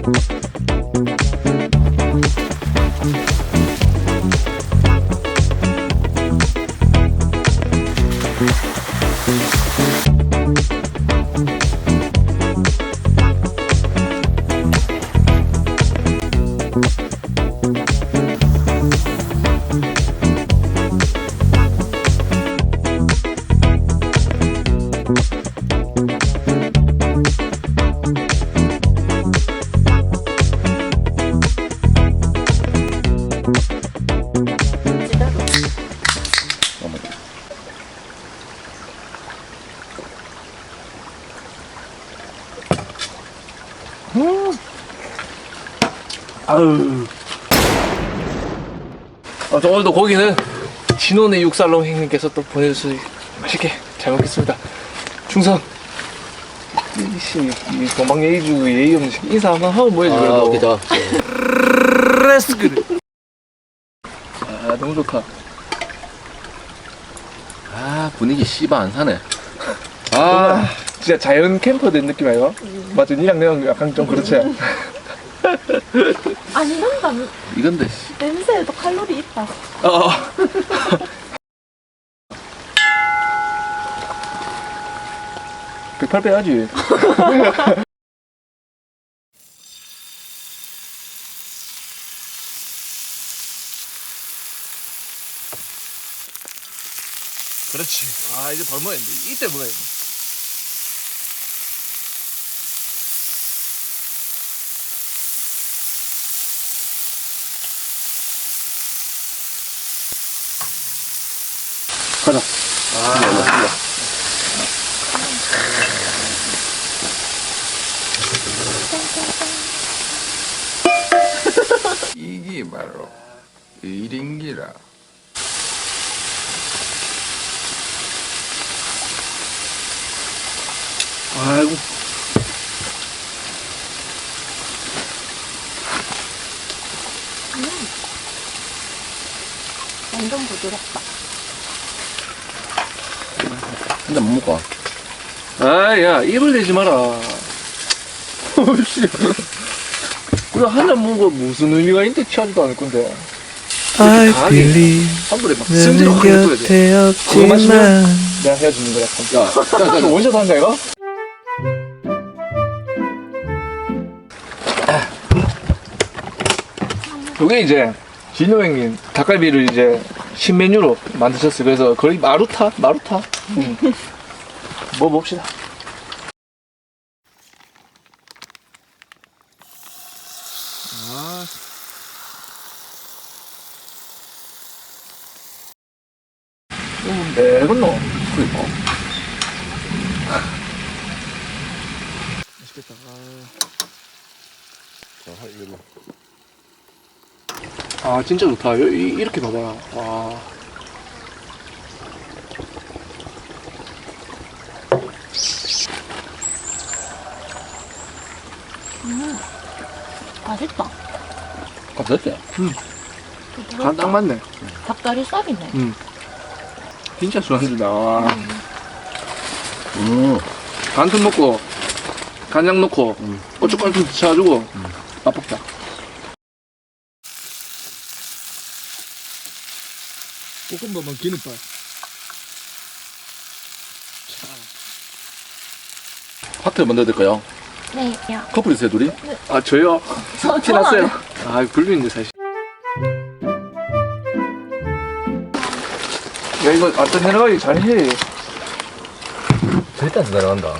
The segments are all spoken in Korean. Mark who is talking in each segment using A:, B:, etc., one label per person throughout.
A: 아유. 오늘도 고기는 진원의 육살롱 형님께서 또 보내주셔서 맛있게 잘 먹겠습니다. 충성. 이 동방 예의주 예의 없는 인사 한번 하고 뭐해줘 그래도.
B: 그죠.
A: 레스크를. 아 너무 좋다.
B: 아 분위기 씨발 안 사네.
A: 아 진짜 자연 캠퍼 된 느낌 아이가? 맞아 니랑 내랑 약간 좀 그렇지.
C: 아니 이런다
B: 이건데.
C: 냄새에도 칼로리 있다.
A: 108 빼야지. 그렇지. 아 이제 바로 먹어야 돼. 이때 먹어야 돼. 가자.
D: 이게 바로 일인기라.
A: 아이고.
C: 완전 부드럽다.
B: 근데 못 먹어.
A: 아야 입을 내지 마라. 어이씨. 그래 한 잔 먹은 거 무슨 의미가 있는데 취하지도 않을 건데.
E: I believe
A: 한 번에 막 승질 확
E: 너는
A: 내줘야 돼.
E: 곁에
A: 그거 마시면
E: 없지만
A: 내가 헤어지는 거야.
B: 야,
A: 이거 원샷 한가 이거? 요게 이제 진호 형님 닭갈비를 이제 신메뉴로 만드셨어요. 그래서 거의 마루타? 먹어봅시다. 매건노.
B: 그니까.
A: 맛있겠다.
B: 자, 이거.
A: 아 진짜 좋다. 이렇게 봐봐. 와.
C: 맛있다.
B: 갑자기?
A: 간 딱 맞네.
C: 닭다리살이네.
A: 진짜 술안주다. 와. 간틈 넣고 간장 넣고 고춧가루 좀 쳐가지고 맛볶자. 볶음밥만 기름밥.
B: 하트 먼저 될까요?
C: 네, 야.
B: 커플이세요 둘이?
A: 아 저요?
C: 저
A: 티났어요. 아 불륜인데 사실. 야 이거 완전 내려가기 잘해.
B: 절대 안 내려간다.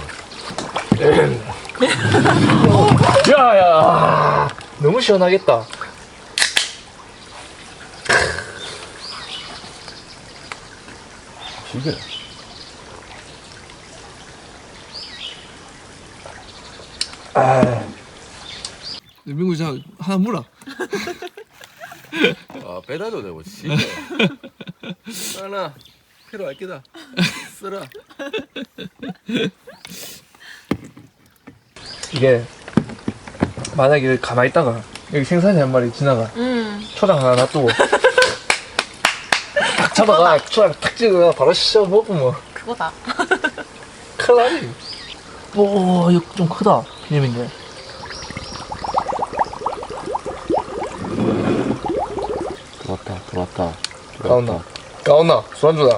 A: 야야 너무 시원하겠다.
B: 이게.
A: 민구 자 하나 물어.
B: 아 배달도 되고 씨발. 하나 필요할 끼다. 쓰라.
A: 이게 만약에 가만히 있다가 여기 생선이 한 마리 지나가 초장 하나 놔두고 딱 잡아가 초장 탁 찍어가 바로 씹어 먹으면
C: 그거다.
A: 큰일 나지. 오 이거 좀 크다 비빔인데.
B: 좋다.
A: 까온나 술안주다.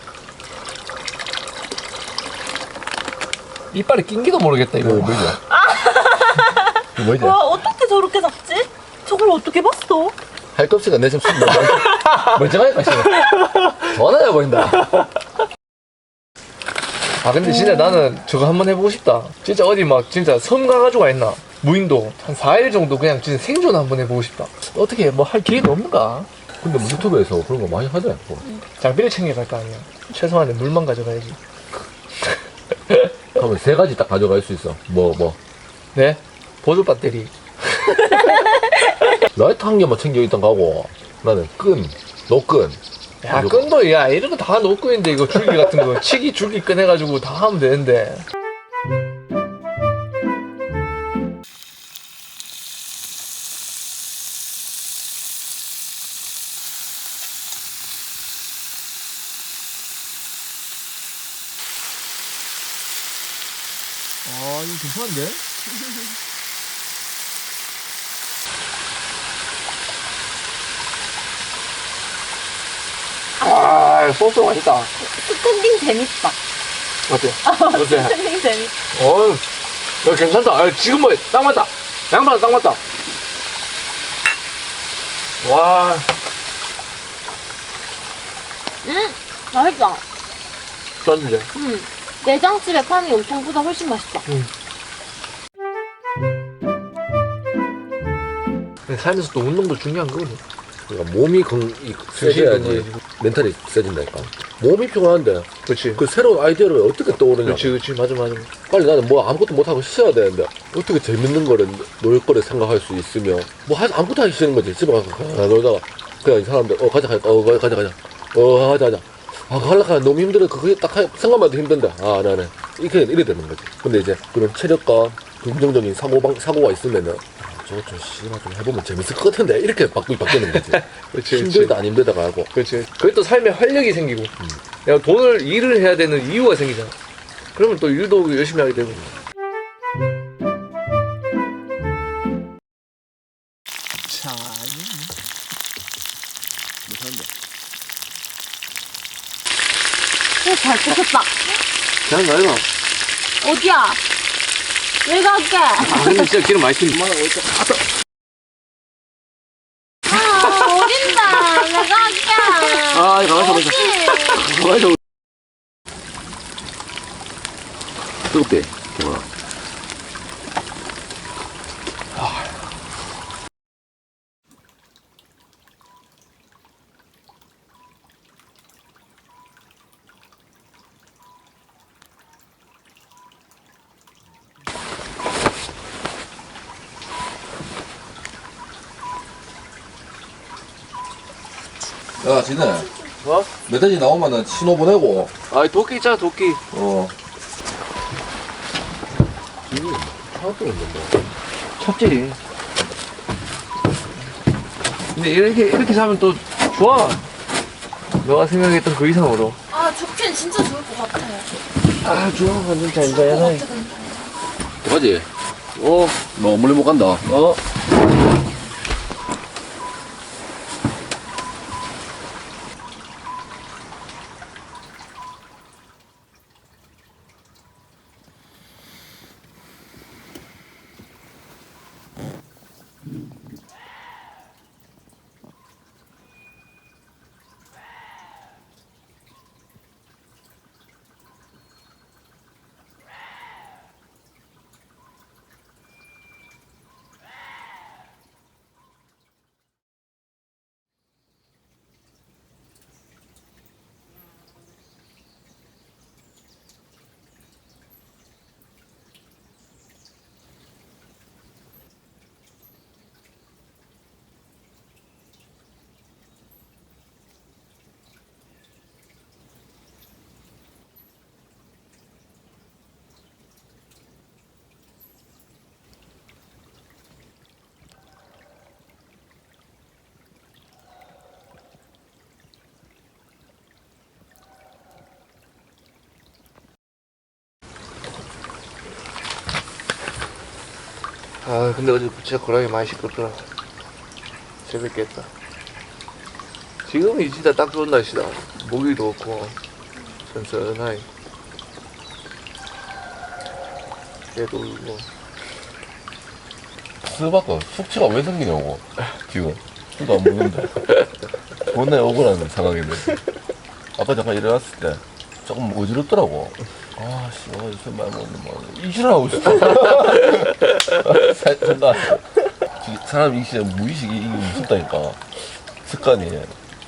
A: 이빨에 낀기도 모르겠다 이거.
B: 뭐지? 뭐지?
C: 와, 어떻게 저렇게 잡지? 저걸 어떻게 봤어?
B: 할겁시가 내 지금 술 멀쩡하니까 지금 전화해 보인다.
A: 아 근데 진짜 나는 저거 한번 해보고 싶다. 진짜 어디 막 진짜 섬 가가지고 가 있나? 무인도 한 4일 정도 그냥 진짜 생존 한번 해보고 싶다. 어떻게 뭐 할 기회가 없는가?
B: 근데 뭐 유튜브에서 그런 거 많이 하더라.
A: 장비를 챙겨갈 거 아니야. 최소한의 물만 가져가야지.
B: 그러면 3가지 딱 가져갈 수 있어. 뭐
A: 네? 보조 배터리.
B: 라이터 한 개만 챙겨 있던 거고 나는 노끈.
A: 야 끈도 야 이런 거 다 놓고 있는데 이거 줄기 같은 거 치기 줄기 꺼내가지고 다 하면 되는데. 아 이거 괜찮은데? 아 소스 맛있다.
C: 스탠딩 재밌다.
A: 어때? 어때?
C: 스탠딩 재밌다.
A: 야 괜찮다. 아, 지금 뭐 딱 맞다. 양파랑 딱 맞다. 와.
C: 맛있다.
A: 쩐데.
C: 내장집에 파는 염통보다 훨씬 맛있다.
A: 살면서 또 운동도 중요한 거거든.
B: 그러니까 몸이 세져야지 멘탈이 세진다니까. 몸이 피곤한데
A: 그렇지.
B: 그 새로운 아이디어를 어떻게 떠오르냐.
A: 그렇지. 맞아.
B: 빨리 나는 뭐 아무것도 못하고 쉬어야 되는데 어떻게 재밌는 거를 놀 거를 생각할 수 있으며 뭐 아무것도 하기 싫은 거지. 집에 가서 놀다가 그냥 이 사람들 가자 가자 아 그거 하려고 하면 너무 힘들어. 그게 딱 생각만 해도 힘든데 나는 이래 되는 거지. 근데 이제 그런 체력과 긍정적인 사고가 있으면은 저거 좀 씨발 좀 해보면 재밌을 것 같은데 이렇게 바뀌는 거지.
A: 그렇지.
B: 힘들다 안 힘들다가 하고.
A: 그렇지. 그게 또 삶에 활력이 생기고. 내가 일을 해야 되는 이유가 생기잖아. 그러면 또 일도 열심히 하게 되고. 자,
C: 잘 뜯었다.
A: 그냥 가요.
C: 어디야? 왜 갈게?
A: 근데 진짜 기름 많이 튀는.
C: 어딘다. 내가 갈게.
A: 가만있어.
B: 뜨겁대. 뭐야. 야, 진해.
A: 뭐?
B: 멧돼지 나오면은 신호 보내고.
A: 도끼 있잖아, 도끼.
B: 하나도 없는데.
A: 쳤지. 근데 이렇게 사면 또 좋아. 너가 생각했던 그 이상으로.
C: 죽긴 진짜 좋을 것 같아.
A: 좋아. 완전 잘.
B: 가지? 너 멀리 못 간다.
A: 근데 어제 진짜 고라니 많이 시끄럽더라. 재밌게 했다. 지금이 진짜 딱 좋은 날씨다. 모기도 없고 선선하니 얘도 울고.
B: 스바가 숙취가 왜 생기냐고 지금 술도 안 먹는데 존나 억울한 상황인데 아까 잠깐 일어났을 때 조금 어지럽더라고. 아씨 술 많이 먹는 뭐 이질하고 있어. 생각 사람 이 시대 무의식이 이게 무섭다니까 습관이.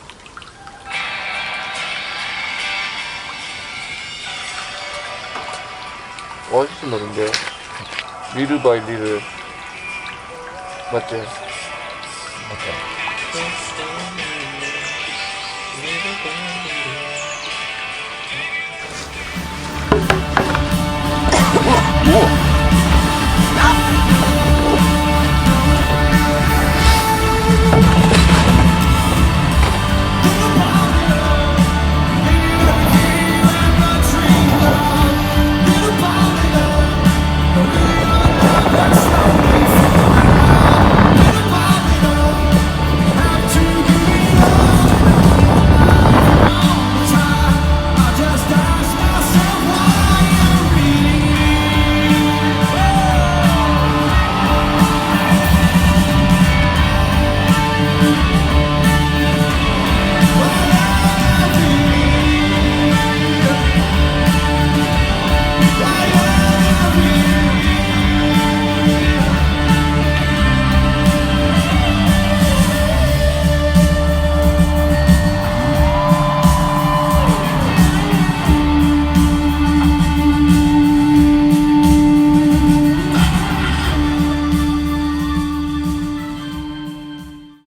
A: 멋있어 나는데 리를 바이 리를 맞지?
B: 맞다.